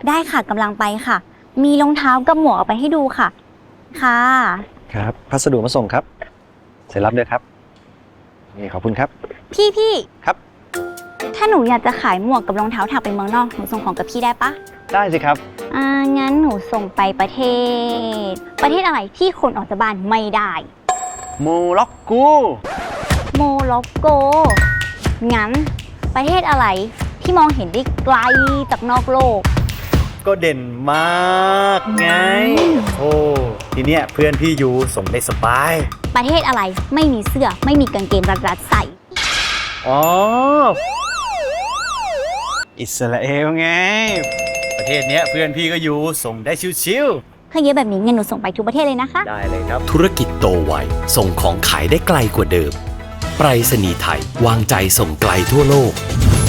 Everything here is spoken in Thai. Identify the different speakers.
Speaker 1: ได้ค่ะกำลังไปค่ะ มีรองเท้ากับหมวกเอาไปให้ดูค่ะ ค่ะ
Speaker 2: ครับพัสดุมาส่งครับเสร็จรับด้วยครับนี่ขอบคุณครับ
Speaker 1: พี่
Speaker 2: ครับ
Speaker 1: ถ้าหนูอยากจะขายหมวกกับรองเท้าถักไปเมืองนอกหนูส่งของกับพี่ได้ปะ
Speaker 2: ได้สิครับ
Speaker 1: งั้นหนูส่งไปประเทศอะไรที่คนออกจากบ้านไม่ได้
Speaker 2: โมร็อกโก
Speaker 1: โมร็อกโก งั้นประเทศอะไรที่มองเห็นได้ไกลจากนอกโลก
Speaker 3: ก็เด่นมากไง โอ้ทีเนี้ยเพื่อนพี่อยู่ส่งได้สบาย
Speaker 1: ประเทศอะไรไม่มีเสื้อไม่มีกางเกงรัดๆใส่
Speaker 3: อ๋อ อิสราเอลไง ประเทศเนี้ยเพื่อนพี่ก็อยู่ส่งได้ชิว
Speaker 1: ถ้าเยอะแบบนี้งั้นหนูส่งไปทุกประเทศเลยนะคะ
Speaker 3: ๆได้เลยครับ
Speaker 4: ธุรกิจโตไวส่งของขายได้ไกลกว่าเดิม ไปรษณีย์ไทยวางใจส่งไกลทั่วโลก